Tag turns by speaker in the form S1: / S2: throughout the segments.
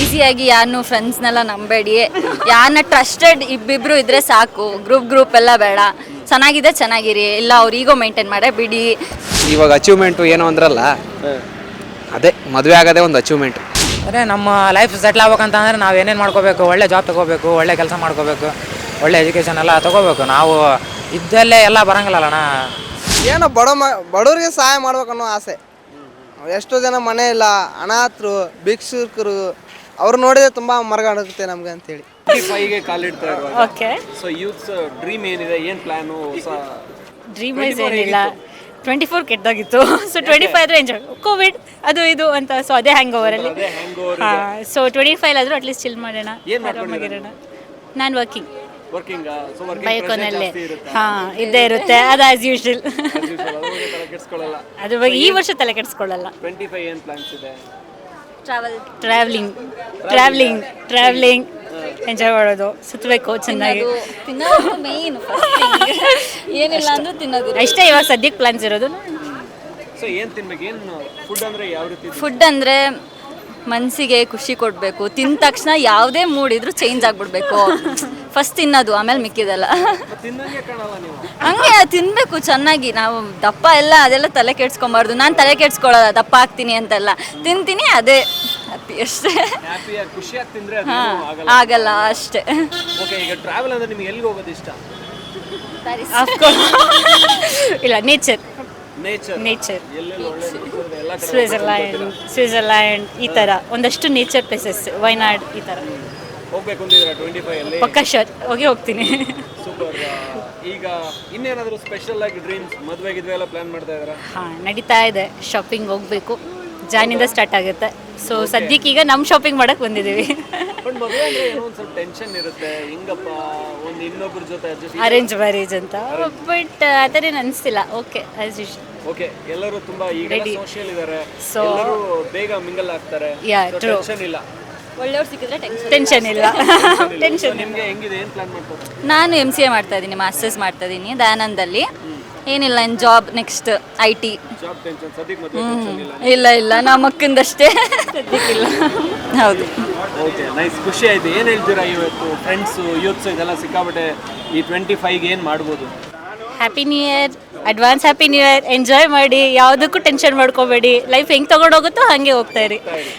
S1: ಈಸಿಯಾಗಿ ಯಾರನ್ನೂ ಫ್ರೆಂಡ್ಸ್ನೆಲ್ಲ ನಂಬೇಡಿ. ಯಾರನ್ನ ಟ್ರಸ್ಟೆಡ್ ಇಬ್ಬಿಬ್ರು ಇದ್ರೆ ಸಾಕು. ಗ್ರೂಪ್ ಎಲ್ಲ ಬೇಡ. ಚೆನ್ನಾಗಿದೆ ಚೆನ್ನಾಗಿರಿ, ಇಲ್ಲ ಅವ್ರ ಈಗೋ ಮೇಂಟೈನ್ ಮಾಡೇ ಬಿಡಿ.
S2: ಇವಾಗ ಅಚೀವ್ಮೆಂಟು ಏನು ಅಂದ್ರಲ್ಲ, ಅದೇ ಮದುವೆ ಆಗೋದೇ ಒಂದು ಅಚೀವ್ಮೆಂಟ್.
S3: ಅದೇ ನಮ್ಮ ಲೈಫ್ ಸೆಟ್ಲ್ ಆಗ್ಬೇಕಂತಂದ್ರೆ ನಾವು ಏನೇನು ಮಾಡ್ಕೋಬೇಕು, ಒಳ್ಳೆ ಜಾಬ್ ತೊಗೋಬೇಕು, ಒಳ್ಳೆ ಕೆಲಸ ಮಾಡ್ಕೋಬೇಕು, ಒಳ್ಳೆ ಎಜುಕೇಷನ್ ಎಲ್ಲ ತೊಗೋಬೇಕು. ನಾವು ಇದ್ದಲ್ಲೇ ಎಲ್ಲ ಬರೋಂಗಿಲ್ಲಣ್ಣ.
S4: ಏನೋ ಬಡವರಿಗೆ ಸಹಾಯ ಮಾಡ್ಬೇಕನ್ನೋ ಆಸೆ. ಎಷ್ಟೋ ಜನ ಮನೆ ಇಲ್ಲ, ಅನಾಥರು, ಭಿಕ್ಷುಕರು, ಅವ್ರು ನೋಡಿದ್ರೆ ತುಂಬ ಮರಗಾಡುತ್ತೆ ನಮಗೆ ಅಂತೇಳಿ.
S5: 25ಗೆ ಕಾಲಿಡ್ತಾ ಇರುವಾಗ
S6: ಓಕೆ,
S5: ಸೊ ಯೂತ್ಸ್ ಡ್ರೀಮ್ ಏನಿದೆ, ಏನು ಪ್ಲಾನು? ಹೊಸ
S6: ಡ್ರೀಮ್ ವೈಸ್ ಏನಿಲ್ಲ. 24 ಕೆಟ್ಟದಾಗಿತ್ತು. ಸೊ 25 ಆದರೆ ಎಂಜಾಯ್, ಕೋವಿಡ್ ಅದು ಇದು ಅಂತ. ಸೊ ಅದೇ ಹ್ಯಾಂಗ್ ಓವರಲ್ಲಿ. ಹಾಂ, ಸೊ 25 ಆದರೂ ಅಟ್ಲೀಸ್ಟ್ ಚಿಲ್ ಮಾಡೋಣ, ಆರಾಮಾಗಿರೋಣ. ನಾನು ವರ್ಕಿಂಗ್ ಬೈಕೋನಲ್ಲೇ. ಹಾಂ, ಇದ್ದೇ ಇರುತ್ತೆ ಅದು ಆ್ಯಸ್ ಯೂಶ್ವಲ್. ಅದ್ರ ಬಗ್ಗೆ ಈ ವರ್ಷ ತಲೆ ಕೆಡಿಸ್ಕೊಳ್ಳಲ್ಲ.
S5: 25 ಏನು ಪ್ಲಾನ್ಸ್ ಇದೆ?
S6: ಟ್ರಾವೆಲಿಂಗ್ ಎಂಜಾಯ್ ಮಾಡೋದು, ಸುತ್ತಬೇಕು ಚೆನ್ನಾಗಿ.
S1: ತಿನ್ನೋದು ಮೇನ್, ಏನಿಲ್ಲ ಅಂದ್ರೂ ತಿನ್ನೋದು
S6: ಅಷ್ಟೇ ಇವಾಗ ಸದ್ಯಕ್ಕೆ ಪ್ಲಾನ್ಸ್ ಇರೋದು.
S5: ಸೊ ಏನು ತಿನ್ಬೇಕು? ಏನು ಫುಡ್ ಅಂದರೆ ಯಾವ ರೀತಿ?
S1: ಫುಡ್ ಅಂದರೆ ಮನಸ್ಸಿಗೆ ಖುಷಿ ಕೊಡಬೇಕು. ತಿಂದ ತಕ್ಷಣ ಯಾವುದೇ ಮೂಡ್ ಇದ್ರೂ ಚೇಂಜ್ ಆಗಿಬಿಡ್ಬೇಕು. ಫಸ್ಟ್ ತಿನ್ನೋದು, ಆಮೇಲೆ ಮಿಕ್ಕಿದೆಲ್ಲ.
S5: ತಿನ್ನಂಗೆ ಕಾಣಲ್ಲ ನೀವು.
S1: ಹಂಗೆ ತಿನ್ನಬೇಕು ಚೆನ್ನಾಗಿ. ನಾವು ದಪ್ಪ ಎಲ್ಲ ಅದೆಲ್ಲ ತಲೆ ಕೆಡ್ಸ್ಕೊಬಾರ್ದು. ನಾನು ತಲೆ ಕೆಡ್ಸ್ಕೊಳ್ಳೋಲ್ಲ ದಪ್ಪ ಆಗ್ತೀನಿ ಅಂತೆಲ್ಲ. ತಿಂತೀನಿ, ಅದೇ ಹ್ಯಾಪಿ ಅಷ್ಟೇ.
S5: ಹ್ಯಾಪಿಯಾಗಿ ಖುಷಿಯಾಗಿ ತಿಂದರೆ
S1: ಆಗಲ್ಲ ಅಷ್ಟೇ.
S5: ಓಕೆ, ಈಗ ಟ್ರಾವೆಲ್ ಅಂದರೆ ನಿಮ್ಗೆ ಎಲ್ಲಿಗೆ ಹೋಗೋದು ಇಷ್ಟ?
S6: ಇಲ್ಲ, ನೇಚರ್
S5: ಎಲ್ಲೆಲ್ಲಿ ಒಳ್ಳೆ ಎಲ್ಲ ಕಡೆ
S6: ಸ್ವಿಟ್ಜರ್ಲ್ಯಾಂಡ್ ಈ ಥರ ಒಂದಷ್ಟು ನೇಚರ್ ಪ್ಲೇಸಸ್, ವಯನಾಡ್ ಈ ಥರ
S5: ಹೋಗ್ಬೇಕು ಅಂತಿದ್ದೀರಾ 25 ಅಲ್ಲಿ?
S6: ಪಕ್ಕ ಶೋರ್ ಹೋಗ್ತೀನಿ.
S5: ಸೂಪರ್. ಈಗ ಇನ್ನೇನಾದರೂ ಸ್ಪೆಷಲ್ ಆಗಿ ಡ್ರೀಮ್ಸ್, ಮದುವೆ ಗಿದ್ವೆ ಎಲ್ಲ ಪ್ಲಾನ್ ಮಾಡ್ತಾ ಇದ್ದೀರಾ?
S6: ಹಾಂ, ನಡೀತಾ ಇದೆ. ಶಾಪಿಂಗ್ ಹೋಗಬೇಕು, ಜಾನಿಂದ ಸ್ಟಾರ್ಟ್ ಆಗುತ್ತೆ. ಸೊ ಸದ್ಯಕ್ಕೆ ಈಗ ನಮ್ಮ ಶಾಪಿಂಗ್ ಮಾಡಕ್ಕೆ ಬಂದಿದ್ದೀವಿ.
S5: ಬಟ್ ಮದುವೆ ಅಂದರೆ ಏನೋ ಒಂದು ಸ್ವಲ್ಪ ಟೆನ್ಷನ್ ಇರುತ್ತೆ. ಹಿಂಗಪ್ಪ ಒಂದು ಇನ್ನೊಬ್ಬರ ಜೊತೆ ಅಡ್ಜಸ್ಟ್.
S6: ಅರೇಂಜ್ ಮ್ಯಾರೇಜ್ ಅಂತ, ಬಟ್ ಆ ಥರ ಏನು ಅನಿಸ್ತಿಲ್ಲ. Okay, as usual.
S5: ಓಕೆ, ಎಲ್ಲರೂ ತುಂಬಾ ಈಗ ಸೋಷಿಯಲ್ ಇದ್ದಾರೆ,
S6: So,
S5: ಎಲ್ಲರೂ ಬೇಗ ಮಿಂಗಲ್ ಆಗ್ತಾರೆ.
S6: ಟ್ರೂ.
S5: ಟೆನ್ಷನ್ ಇಲ್ಲ.
S1: ಒಳ್ಳೆಯವ್ರು ಸಿಕ್ಕಿದ್ರೆ
S6: ಟೆನ್ಷನ್ ಇಲ್ಲ. ಟೆನ್ಷನ್
S5: ನಿಮಗೆ ಹೆಂಗಿದೆ? ಏನು ಪ್ಲಾನ್ ಮಾಡ್ತಾರೆ?
S1: ನಾನು MCA ಮಾಡ್ತಾ ಇದ್ದೀನಿ, ಮಾಸ್ಟರ್ಸ್ ಮಾಡ್ತಾ ಇದ್ದೀನಿ ದಯಾನಂದಲ್ಲಿ. ಏನಿಲ್ಲ, ಇನ್ನು job, next IT.
S5: Job tension, ಸದ್ಯಕ್ಕೆ ಮದುವೆ ಟೆನ್ಷನ್ ಇಲ್ಲ.
S1: ಇಲ್ಲ ನಮ್ಮ ಅಕ್ಕಂದಷ್ಟೇ ಸದ್ಯಕ್ಕಿಲ್ಲ. ಹೌದು.
S5: ಓಕೆ, ನೈಸ್, ಖುಷಿ ಆಯ್ತು. ಏನು ಹೇಳ್ತೀರಾ ಇವತ್ತು ಫ್ರೆಂಡ್ಸು, ಯೂತ್ಸ್ ಇದೆಲ್ಲ ಸಿಕ್ಕಾಬಿಟ್ಟೆ ಈ 25ಗೆ ಏನು ಮಾಡ್ಬೋದು?
S6: Happy new year, advance happy new year. Enjoy ಮಾಡಿ, ಯಾವುದಕ್ಕೂ ಟೆನ್ಷನ್ ಮಾಡ್ಕೋಬೇಡಿ. ಲೈಫ್ ಹೆಂಗೆ ತೊಗೊಂಡೋಗುತ್ತೋ ಹಾಗೆ ಹೋಗ್ತಾ ಇರಿ.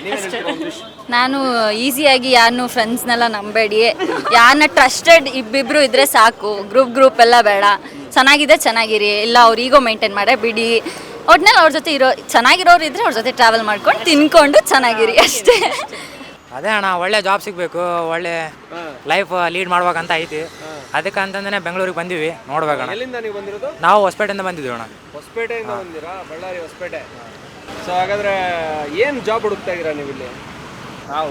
S1: ನಾನು ಈಸಿಯಾಗಿ ಯಾರನ್ನೂ ಫ್ರೆಂಡ್ಸ್ನೆಲ್ಲ ನಂಬೇಡಿ. ಯಾರನ್ನ ಟ್ರಸ್ಟೆಡ್ ಇಬ್ಬಿಬ್ರು ಇದ್ರೆ ಸಾಕು. ಗ್ರೂಪ್ ಎಲ್ಲ ಬೇಡ. ಚೆನ್ನಾಗಿದೆ ಚೆನ್ನಾಗಿರಿ, ಇಲ್ಲ ಅವ್ರ ಈಗೋ ಮೇಂಟೈನ್ ಮಾಡೇ ಬಿಡಿ. ಒಟ್ನಲ್ಲಿ ಅವ್ರ ಜೊತೆ ಚೆನ್ನಾಗಿರೋರು ಇದ್ರೆ ಅವ್ರ ಜೊತೆ ಟ್ರಾವೆಲ್ ಮಾಡ್ಕೊಂಡು ತಿನ್ಕೊಂಡು ಚೆನ್ನಾಗಿರಿ ಅಷ್ಟೇ.
S3: ಅದೇ ಅಣ್ಣ, ಒಳ್ಳೆ ಜಾಬ್ ಸಿಗಬೇಕು, ಒಳ್ಳೆ ಲೈಫ್ ಲೀಡ್ ಮಾಡ್ಬೇಕಂತ ಐತಿ. ಅದಕ್ಕೆ ಅಂತಂದೇ ಬೆಂಗಳೂರಿಗೆ ಬಂದಿವಿ, ನೋಡ್ಬೇಕಣ್ಣ.
S5: ಎಲ್ಲಿಂದ ನೀವು ಬಂದಿರೋದು?
S3: ನಾವು ಹೊಸಪೇಟೆಯಿಂದ ಬಂದಿದ್ದೀವಿ ಅಣ್ಣ.
S5: ಹೊಸಪೇಟೆಯಿಂದ ಬಂದಿರಾ? ಬಳ್ಳಾರಿ ಹೊಸಪೇಟೆ. ಸೊ ಹಾಗಾದ್ರೆ ಏನು ಜಾಬ್ ಹುಡುಕ್ತಾ ಇದ್ದೀರಾ ನೀವು ಇಲ್ಲಿ?
S7: ನಾವು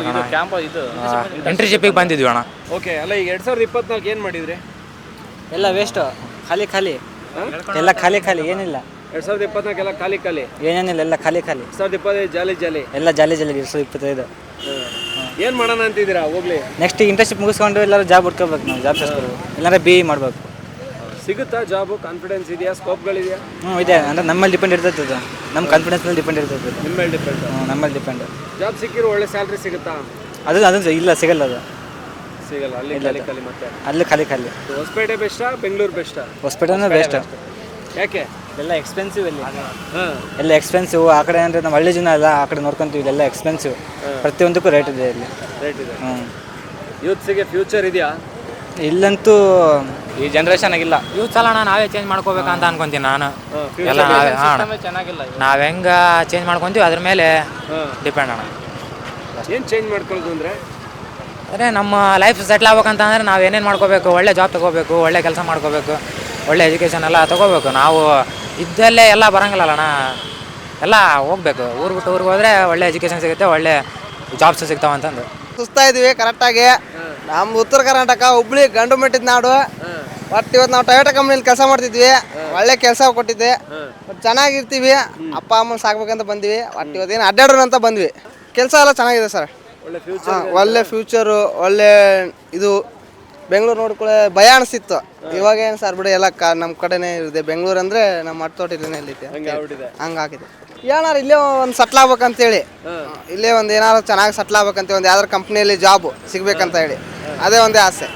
S3: ಇಂಟರ್ನ್ಶಿಪ್ಪಿಗೆ ಬಂದಿದ್ವಿ ಅಣ್ಣ.
S5: ಓಕೆ, ಅಲ್ಲ ಈಗ 2024 ಏನು ಮಾಡಿದ್ರಿ?
S8: ಎಲ್ಲ ವೇಸ್ಟ್, ಖಾಲಿ ಎಲ್ಲ ಖಾಲಿ ಏನಿಲ್ಲ.
S5: 2024 ಎಲ್ಲ ಖಾಲಿ
S8: ಏನೇನಿಲ್ಲ, ಎಲ್ಲ ಖಾಲಿ
S5: 2025 ಜಾಲಿ
S8: ಎಲ್ಲ ಜಾಲಿ 2025.
S5: ಏನು ಮಾಡೋಣ ಅಂತಿದ್ದೀರಾ? ಹೋಗ್ಲಿ,
S8: ನೆಕ್ಸ್ಟ್ ಇಂಟರ್ನ್ಶಿಪ್ ಮುಗಿಸ್ಕೊಂಡು ಎಲ್ಲರೂ ಜಾಬ್ ಹುಡ್ಕೋಬೇಕು. ನಾವು ಜಾಬ್ ಸೇರಿಸ್ಕೋಬೇಕು, ಇಲ್ಲಾಂದ್ರೆ BE ಮಾಡಬೇಕು.
S5: ಸಿಗುತ್ತಾ ಜಾಬು? ಕಾನ್ಫಿಡೆನ್ಸ್ ಇದೆಯಾ? ಸ್ಕೋಪ್ಗಳಿದೆಯಾ?
S8: ಇದೆ. ಅಂದರೆ ನಮ್ಮಲ್ಲಿ ಡಿಪೆಂಡ್ ಇರ್ತದೆ, ನಮ್ಮ ಕಾನ್ಫಿಡೆನ್ಸ್ ಮೇಲೆ ಡಿಪೆಂಡ್ ಇರ್ತದೆ.
S5: ನಿಮ್ಮ ಮೇಲೆ ಡಿಪೆಂಡ್?
S8: ನಮ್ಮಲ್ಲಿ ಡಿಪೆಂಡ್.
S5: ಜಾಬ್ ಸಿಕ್ಕಿರೋ ಒಳ್ಳೆ ಸ್ಯಾಲ್ರಿ ಸಿಗುತ್ತಾ?
S8: ಅದು ಇಲ್ಲ, ಸಿಗಲ್ಲ. ಅದು
S5: ಸಿಗಲ್ಲ. ಅಲ್ಲಿ ಖಾಲಿ ಮತ್ತೆ
S8: ಅಲ್ಲಿ ಖಾಲಿ.
S5: ಹೊಸಪೇಟೆ ಬೆಸ್ಟಾ, ಬೆಂಗಳೂರು ಬೆಸ್ಟಾ?
S8: ಹೊಸಪೇಟೆನೇ ಬೆಸ್ಟ್.
S5: ಯಾಕೆ?
S8: ಎಲ್ಲ ಎಕ್ಸ್ಪೆನ್ಸಿವ್ ಅಲ್ಲಿ. ಎಲ್ಲ ಎಕ್ಸ್ಪೆನ್ಸಿವ್. ಆ ಕಡೆ ಅಂದರೆ ನಮ್ಮ ಹಳ್ಳಿ ಜನ ಎಲ್ಲ ಆ ಕಡೆ ನೋಡ್ಕೊಂತೀವಿ. ಇಲ್ಲೆಲ್ಲ ಎಕ್ಸ್ಪೆನ್ಸಿವ್, ಪ್ರತಿಯೊಂದಕ್ಕೂ ರೇಟ್ ಇದೆ ಇಲ್ಲಿ.
S5: ರೇಟ್ ಇದೆ. ಯೂತ್ಸಿಗೆ ಫ್ಯೂಚರ್ ಇದೆಯಾ?
S8: ಇಲ್ಲಂತೂ
S7: ಈ ಜನ್ರೇಷನ್ ಆಗಿಲ್ಲ.
S3: ಯೂತ್ಸ್ ಅಲ್ಲ, ನಾವೇ ಚೇಂಜ್ ಮಾಡ್ಕೋಬೇಕಂತ ಅನ್ಕೊಂತೀನಿ ನಾನು. ಎಲ್ಲ
S7: ಚೆನ್ನಾಗಿಲ್ಲ.
S3: ನಾವು ಹೆಂಗೆ ಚೇಂಜ್ ಮಾಡ್ಕೊತೀವಿ ಅದ್ರ ಮೇಲೆ ಡಿಪೆಂಡ್ ಅಣ್ಣ.
S5: ಏನು ಚೇಂಜ್ ಮಾಡ್ಕೊಳ್ಳೋದು ಅಂದರೆ?
S3: ಅದೇ ನಮ್ಮ ಲೈಫ್ ಸೆಟ್ಲ್ ಆಗ್ಬೇಕಂತಂದ್ರೆ ನಾವು ಏನೇನು ಮಾಡ್ಕೋಬೇಕು, ಒಳ್ಳೆ ಜಾಬ್ ತೊಗೋಬೇಕು, ಒಳ್ಳೆ ಕೆಲಸ ಮಾಡ್ಕೋಬೇಕು, ಒಳ್ಳೆ ಎಜುಕೇಷನ್ ಎಲ್ಲ ತೊಗೋಬೇಕು. ನಾವು ಇದ್ದಲ್ಲೇ ಎಲ್ಲ ಬರೋಂಗಿಲ್ಲಣ್ಣ, ಎಲ್ಲ ಹೋಗ್ಬೇಕು. ಊರು ಬಿಟ್ಟು ಊರಿಗೆ ಹೋದರೆ ಒಳ್ಳೆ ಎಜುಕೇಷನ್ ಸಿಗುತ್ತೆ, ಒಳ್ಳೆ ಜಾಬ್ಸ್ ಸಿಗ್ತಾವೆ ಅಂತಂದು
S4: ಸುಸ್ತಾ ಇದ್ವಿ ಕರೆಕ್ಟಾಗಿ. ನಮ್ಮ ಉತ್ತರ ಕರ್ನಾಟಕ ಹುಬ್ಳಿ ಗಂಡು ಮೆಟ್ಟಿದ ನಾಡು. ಬಟ್ ಇವತ್ತು ನಾವು ಟೊಯೋಟಾ ಕಂಪ್ನಿಲಿ ಕೆಲಸ ಮಾಡ್ತಿದ್ವಿ. ಒಳ್ಳೆ ಕೆಲಸ ಕೊಟ್ಟಿದ್ದೆ, ಚೆನ್ನಾಗಿರ್ತೀವಿ. ಅಪ್ಪ ಅಮ್ಮನ ಸಾಕ್ಬೇಕಂತ ಬಂದ್ವಿ. ಬಟ್ ಇವತ್ತೇನು ಅಡ್ಡಾಡೋಣ ಅಂತ ಬಂದ್ವಿ. ಕೆಲಸ ಎಲ್ಲ ಚೆನ್ನಾಗಿದೆ ಸರ್. ಒಳ್ಳೆ ಫ್ಯೂಚರು, ಒಳ್ಳೆ ಇದು ಬೆಂಗಳೂರು ನೋಡ್ಕೊಳ್ಳೆ ಭಯ ಅನಿಸ್ತಿತ್ತು. ಇವಾಗ ಏನು ಸರ್ ಬಿಡಿ ಎಲ್ಲ ನಮ್ಮ ಕಡೆನೇ ಇದೆ. ಬೆಂಗಳೂರು ಅಂದರೆ ನಮ್ಮ ಹಟ್ಟೋಟಿಲೇ ಇಲ್ಲಿದೆ, ಹಂಗಾಗಿದೆ. ಏನಾರು ಇಲ್ಲೇ ಒಂದು ಸಟ್ಲ್ ಆಗ್ಬೇಕಂತೇಳಿ, ಇಲ್ಲೇ ಒಂದು ಏನಾರು ಚೆನ್ನಾಗಿ ಸಟ್ಲ್ ಆಗ್ಬೇಕಂತ ಒಂದು ಯಾವ್ದಾರು ಕಂಪ್ನಿಯಲ್ಲಿ ಜಾಬ್ ಸಿಗ್ಬೇಕಂತ ಹೇಳಿ ಅದೇ ಒಂದೇ ಆಸೆ.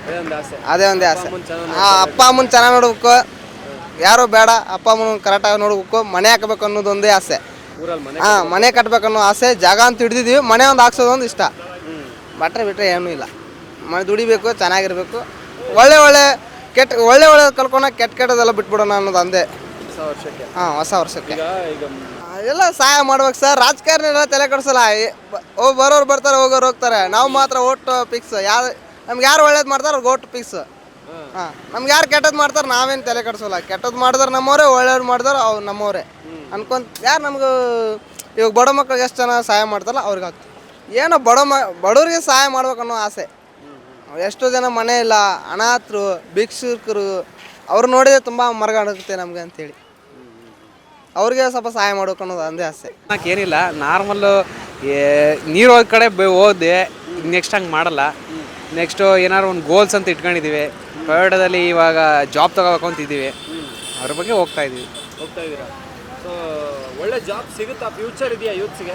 S4: ಅಪ್ಪ ಅಮ್ಮನ ಚೆನ್ನಾಗಿ ನೋಡ್ಬೇಕು, ಯಾರು ಬೇಡ, ಅಪ್ಪ ಅಮ್ಮನ ಕರೆಕ್ಟಾಗಿ ನೋಡ್ಬೇಕು, ಮನೆ ಹಾಕಬೇಕು ಅನ್ನೋದು ಒಂದೇ ಆಸೆ. ಮನೆ ಕಟ್ಬೇಕನ್ನೋ ಆಸೆ. ಜಾಗ ಅಂತ ಹಿಡಿದಿದ್ದೀವಿ, ಮನೆ ಒಂದು ಹಾಕ್ಸೋದೊಂದು ಇಷ್ಟ. ಬಿಟ್ಟರೆ ಏನೂ ಇಲ್ಲ. ಮನೆ ದುಡಿಬೇಕು, ಚೆನ್ನಾಗಿರ್ಬೇಕು, ಒಳ್ಳೆ ಕಲ್ಕೊಳಕ್ಕೆ ಕೆಟ್ಟದೆಲ್ಲ ಬಿಟ್ಬಿಡೋಣ ಅನ್ನೋದು ಅಂದೇ. ಹೊಸ ವರ್ಷಕ್ಕೆ ಎಲ್ಲ ಸಹಾಯ ಮಾಡ್ಬೇಕು ಸರ್. ರಾಜಕಾರಣ ಎಲ್ಲ ತಲೆ ಕೆಡಿಸಲ್ಲ. ಬರೋರು ಬರ್ತಾರೆ, ಹೋಗೋರು ಹೋಗ್ತಾರೆ. ನಾವು ಮಾತ್ರ ಓಟ್ ಫಿಕ್ಸ್. ನಮ್ಗೆ ಯಾರು ಒಳ್ಳೇದು ಮಾಡ್ತಾರೆ ಅವ್ರಿಗೆ ಓಟ್ ಫಿಕ್ಸ್. ನಮ್ಗೆ ಯಾರು ಕೆಟ್ಟದ್ದು ಮಾಡ್ತಾರೆ ನಾವೇನು ತಲೆ ಕೆಡಿಸೋಲ್ಲ. ಕೆಟ್ಟದ್ದು ಮಾಡಿದ್ರೆ ನಮ್ಮವರೇ, ಒಳ್ಳೇದು ಮಾಡಿದ್ರೆ ಅವ್ರು ನಮ್ಮವರೇ ಯಾರು ನಮ್ಗೆ ಇವಾಗ ಬಡ ಮಕ್ಳಿಗೆ ಎಷ್ಟು ಜನ ಸಹಾಯ ಮಾಡ್ತಾರಲ್ಲ ಅವ್ರಿಗೆ ಆಗ್ತದೆ. ಏನೋ ಬಡವ್ರಿಗೆ ಸಹಾಯ ಮಾಡ್ಬೇಕನ್ನೋ ಆಸೆ. ಎಷ್ಟೋ ಜನ ಮನೆ ಇಲ್ಲ, ಅನಾಥರು, ಭಿಕ್ಷುಕರು, ಅವ್ರು ನೋಡಿದ್ರೆ ತುಂಬ ಮರಗಾಡುತ್ತೆ ನಮಗೆ ಅಂತೇಳಿ ಅವ್ರಿಗೆ ಸ್ವಲ್ಪ ಸಹಾಯ ಮಾಡ್ಬೇಕು ಅನ್ನೋದು ಒಂದೇ ಆಸೆ.
S2: ಏನಿಲ್ಲ, ನಾರ್ಮಲ್ಲು ನೀರು ಹೋದ ಕಡೆ ಹೋದೆ. ನೆಕ್ಸ್ಟ್ ಹಂಗೆ ಮಾಡಲ್ಲ. ನೆಕ್ಸ್ಟು ಏನಾದ್ರು ಒಂದು ಗೋಲ್ಸ್ ಅಂತ ಇಟ್ಕೊಂಡಿದ್ದೀವಿ. ಟೊಯೋಟಾದಲ್ಲಿ ಇವಾಗ ಜಾಬ್ ತೊಗೋಬೇಕು ಅಂತಿದ್ದೀವಿ. ಅದ್ರ ಬಗ್ಗೆ ಹೋಗ್ತಾ ಇದ್ದೀರಾ?
S5: ಸೊ ಒಳ್ಳೆ ಜಾಬ್ ಸಿಗುತ್ತಾ? ಫ್ಯೂಚರ್ ಇದೆಯಾ ಯೂತ್ಸ್ಗೆ?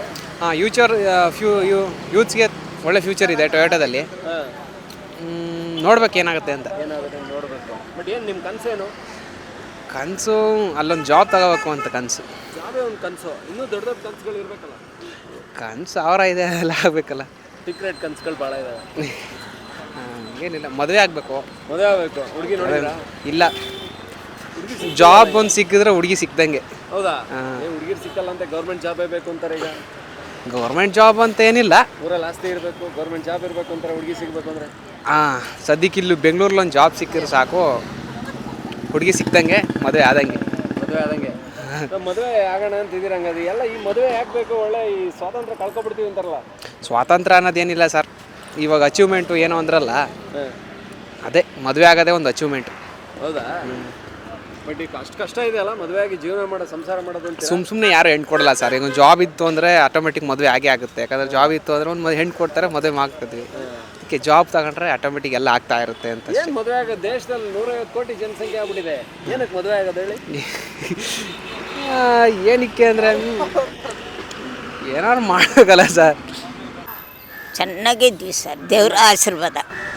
S2: ಯೂತ್ಸ್ಗೆ ಒಳ್ಳೆ ಫ್ಯೂಚರ್ ಇದೆ ಟೊಯೋಟಾದಲ್ಲಿ. ನೋಡ್ಬೇಕು ಏನಾಗುತ್ತೆ ಅಂತ.
S5: ನೋಡಬೇಕು. ಬಟ್ ಏನು ನಿಮ್ಮ ಕನಸೇನು?
S2: ಕನಸು ಅಲ್ಲೊಂದು ಜಾಬ್ ತಗೋಬೇಕು ಅಂತ ಕನಸು.
S5: ಜಾಬೇ ಒಂದು ಕನಸು. ಇನ್ನೂ ದೊಡ್ಡ ದೊಡ್ಡ ಕನಸುಗಳು ಇರಬೇಕಲ್ಲ.
S2: ಕನಸು ಅವರ ಇದೆ, ಎಲ್ಲ ಆಗಬೇಕಲ್ಲ.
S5: ಸೀಕ್ರೆಟ್ ಕನಸುಗಳು ಭಾಳ ಇದಾವೆ.
S2: ಏನಿಲ್ಲ, ಮದುವೆ ಆಗಬೇಕು.
S5: ಹುಡುಗಿ ನೋಡಿದ್ರಾ?
S2: ಇಲ್ಲ, ಜಾಬ್ ಒಂದು ಸಿಕ್ಕಿದ್ರೆ ಹುಡುಗಿ ಸಿಕ್ದಂಗೆ.
S5: ಹೌದಾ? ಹುಡುಗಿರು ಸಿಕ್ಕಲ್ಲ ಅಂತ ಗೌರ್ಮೆಂಟ್ ಜಾಬೇ ಬೇಕು ಅಂತಾರೆ ಈಗ.
S2: ಗೌರ್ಮೆಂಟ್ ಜಾಬ್ ಅಂತ ಏನಿಲ್ಲ,
S5: ಊರಲ್ಲಿ ಆಸ್ತಿ ಇರಬೇಕು, ಗೌರ್ಮೆಂಟ್ ಜಾಬ್ ಇರಬೇಕು ಅಂತಾರೆ. ಹುಡುಗಿ ಸಿಗಬೇಕು ಅಂದರೆ
S2: ಸದ್ಯಕ್ಕೆ ಇಲ್ಲಿ ಬೆಂಗಳೂರಲ್ಲಿ ಒಂದು ಜಾಬ್ ಸಿಕ್ಕಿದ್ರೆ ಸಾಕು, ಹುಡುಗಿ ಸಿಕ್ದಂಗೆ, ಮದುವೆ ಆದಂಗೆ.
S5: ಮದುವೆ ಆಗೋಣ ಅಂತಿದ್ದೀರ ಹಂಗದು ಎಲ್ಲ. ಈ ಮದುವೆ ಯಾಕೆ ಬೇಕು? ಒಳ್ಳೆ ಈ ಸ್ವಾತಂತ್ರ್ಯ ಕಳ್ಕೊಬಿಡ್ತೀವಿ ಅಂತಾರಲ್ಲ.
S2: ಸ್ವಾತಂತ್ರ್ಯ ಅನ್ನೋದೇನಿಲ್ಲ ಸರ್. ಇವಾಗ ಅಚೀವ್ಮೆಂಟು ಏನೋ ಅಂದ್ರಲ್ಲ, ಅದೇ ಮದುವೆ ಆಗೋದೇ ಒಂದು ಅಚೀವ್ಮೆಂಟ್.
S5: ಹೌದಾ? ಬಟ್ ಈಗ ಅಷ್ಟು ಕಷ್ಟ ಇದೆ ಅಲ್ಲ ಮದುವೆ ಆಗಿ ಜೀವನ ಮಾಡೋ, ಸಂಸಾರ ಮಾಡೋದು ಅಂತ.
S2: ಸುಮ್ಮನೆ ಯಾರು ಹೆಣ್ಣು ಕೊಡಲ್ಲ ಸರ್. ಈಗ ಜಾಬ್ ಇತ್ತು ಅಂದರೆ ಆಟೋಮೆಟಿಕ್ ಮದುವೆ ಆಗೇ ಆಗುತ್ತೆ. ಯಾಕಂದರೆ ಜಾಬ್ ಇತ್ತು ಅಂದರೆ ಒಂದು ಹೆಣ್ಣು ಕೊಡ್ತಾರೆ, ಮದುವೆ ಮಾಡ್ಕೊತೀವಿ. ಅದಕ್ಕೆ ಜಾಬ್ ತಗೊಂಡ್ರೆ ಆಟೋಮೆಟಿಕ್ ಎಲ್ಲ ಆಗ್ತಾ ಇರುತ್ತೆ ಅಂತ.
S5: ಏನು ಮದುವೆ ಆಗೋದು? ದೇಶದಲ್ಲಿ 150 ಕೋಟಿ ಜನಸಂಖ್ಯೆ ಆಗ್ಬಿಟ್ಟಿದೆ. ಏನಕ್ಕೆ ಮದುವೆ ಆಗೋದು ಹೇಳಿ?
S2: ಏನಕ್ಕೆ ಅಂದರೆ ಏನಾದ್ರು ಮಾಡಬೇಕಲ್ಲ ಸರ್.
S9: ಚೆನ್ನಾಗಿದ್ವಿ ಸರ್, ದೇವ್ರ ಆಶೀರ್ವಾದ.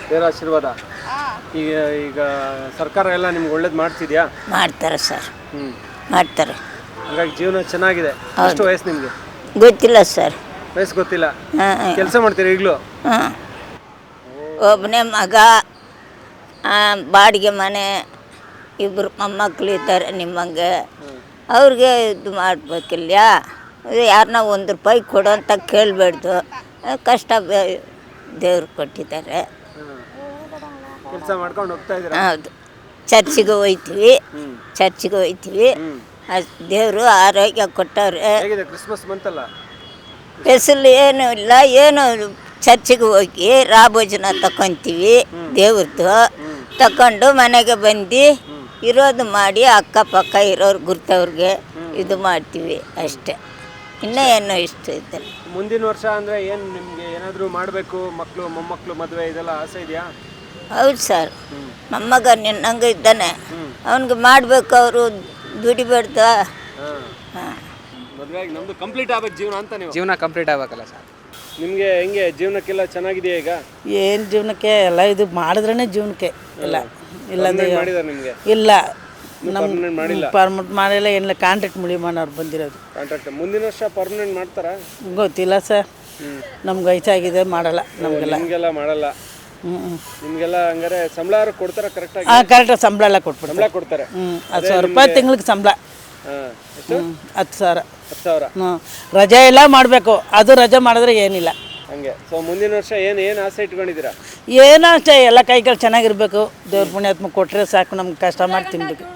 S5: ಈಗ ಸರ್ಕಾರ ಎಲ್ಲ ನಿಮ್ಗೆ ಒಳ್ಳೇದು ಮಾಡ್ತಿದ್ಯಾ?
S9: ಮಾಡ್ತಾರೆ ಸರ್, ಮಾಡ್ತಾರೆ.
S5: ಹಾಗಾಗಿ ಜೀವನ ಚೆನ್ನಾಗಿದೆ. ಎಷ್ಟು ವಯಸ್ಸು ನಿಮಗೆ?
S9: ಗೊತ್ತಿಲ್ಲ ಸರ್.
S5: ವಯಸ್ಸು ಗೊತ್ತಿಲ್ಲ. ಕೆಲಸ ಮಾಡ್ತೀರಾ ಈಗಲೂ?
S9: ಹಾಂ, ಒಬ್ಬನೇ ಮಗ, ಬಾಡಿಗೆ ಮನೆ, ಇಬ್ಬರು ಮೊಮ್ಮಕ್ಕಳು ಇದ್ದಾರೆ ನಿಮ್ಮಂಗೆ. ಅವ್ರಿಗೆ ಇದು ಮಾಡಬೇಕಿಲ್ಲ. ಯಾರನ್ನ ₹1 ಕೊಡು ಅಂತ ಕೇಳಬೇಡ್ದು. ಕಷ್ಟ ದೇವ್ರು ಕೊಟ್ಟಿದ್ದಾರೆ.
S5: ಕೆಲಸ ಮಾಡ್ಕೊಂಡು ಹೋಗ್ತಾ ಇದ್ದೀರಾ?
S9: ಹೌದು. ಚರ್ಚಿಗೆ ಹೋಯ್ತೀವಿ. ದೇವರು ಆರೋಗ್ಯ ಕೊಟ್ಟವ್ರೆ.
S5: ಹೇಗಿದೆ ಕ್ರಿಸ್ಮಸ್ ಬಂತಲ್ಲ?
S9: ಸ್ಪೆಷಲ್ ಏನೂ ಇಲ್ಲ, ಏನು ಚರ್ಚಿಗೆ ಹೋಗಿ ರಾಭೋಜನ ತಗೊತೀವಿ. ದೇವ್ರದ್ದು ತಗೊಂಡು ಮನೆಗೆ ಬಂದು ಇರೋದು ಮಾಡಿ ಅಕ್ಕಪಕ್ಕ ಇರೋರು ಗುರ್ತವ್ರಿಗೆ ಇದು ಮಾಡ್ತೀವಿ ಅಷ್ಟೇ. ಇನ್ನೂ ಏನೋ ಇಷ್ಟ ಇದೆ.
S5: ಮುಂದಿನ ವರ್ಷ ಅಂದರೆ ಏನು ನಿಮಗೆ ಏನಾದರೂ ಮಾಡಬೇಕು? ಮಕ್ಕಳು ಮೊಮ್ಮಕ್ಕಳು ಮದುವೆ ಇದೆಲ್ಲ ಆಸೆ ಇದೆಯಾ?
S9: ಹೌದು ಸರ್, ಮೊಮ್ಮಗ ನಿನ್ನಂಗೆ ಇದ್ದಾನೆ, ಅವನಿಗೆ ಮಾಡಬೇಕು. ಅವರು ದುಡಿಬೇಡ್ದ.
S5: ಮದುವೆ ಆಗಿ ನಮ್ಮದು ಕಂಪ್ಲೀಟ್ ಆಗ್ಬೇಕು ಜೀವನ ಅಂತ. ನೀವು
S2: ಜೀವನ ಕಂಪ್ಲೀಟ್ ಆಗಬೇಕಲ್ಲ ಸರ್.
S5: ನಿಮಗೆ ಹೆಂಗೆ ಜೀವನಕ್ಕೆಲ್ಲ ಚೆನ್ನಾಗಿದೆಯಾ ಈಗ?
S10: ಏನು ಜೀವನಕ್ಕೆ ಎಲ್ಲ ಇದು ಮಾಡಿದ್ರೇ ಜೀವನಕ್ಕೆ ಇಲ್ಲ.
S5: ಮಾಡಿದ್ದಾರೆ ನಿಮಗೆ?
S10: ಇಲ್ಲ,
S5: ಮಾಡಿಲ್ಲ.
S10: ಪರ್ಮನೆಂಟ್ ಮಾಡಿಲ್ಲ, ಏನಿಲ್ಲ. ಕಾಂಟ್ರಾಕ್ಟ್ ಮುಳಿಮಣ್ಣವ್ರು ಬಂದಿರೋದು.
S5: ಕಾಂಟ್ರಾಕ್ಟ್ ಮುಂದಿನ ವರ್ಷ ಪರ್ಮನೆಂಟ್ ಮಾಡ್ತಾರಾ?
S10: ಗೊತ್ತಿಲ್ಲ ಸರ್, ನಮ್ಗೆ ವಯಸ್ಸಾಗಿದೆ, ಮಾಡಲ್ಲ
S5: ನಿಮಗೆಲ್ಲ ಮಾಡಲ್ಲ. ನಿಮಗೆಲ್ಲ ಹಂಗಾರೆ ಸಂಬಳ ಕೊಡ್ತಾರ ಕರೆಕ್ಟಾಗಿ?
S10: ಕರೆಕ್ಟಾಗಿ ಸಂಬಳ ಎಲ್ಲ ಕೊಟ್ಬಿಡ್ತಾರೆ.
S5: ಸಂಬಳ ಕೊಡ್ತಾರೆ.
S10: 10,000 ರೂಪಾಯಿ ತಿಂಗಳಿಗೆ ಸಂಬಳ.
S5: 10,000.
S10: 10,000 ರಜೆ ಎಲ್ಲ ಮಾಡಬೇಕು. ಅದು ರಜೆ ಮಾಡಿದ್ರೆ ಏನಿಲ್ಲ
S5: ಹಂಗೆ. ಸೊ ಮುಂದಿನ ವರ್ಷ ಏನು ಆಸೆ ಇಟ್ಕೊಂಡಿದ್ದೀರಾ?
S10: ಏನೋ ಅಷ್ಟೇ, ಎಲ್ಲ ಕೈಗಳು ಚೆನ್ನಾಗಿರ್ಬೇಕು. ದೇವ್ರ ಪುಣ್ಯಾತ್ಮ ಕೊಟ್ಟರೆ ಸಾಕು, ನಮ್ಗೆ ಕಷ್ಟ ಮಾಡಿ ತಿನ್ಬೇಕು.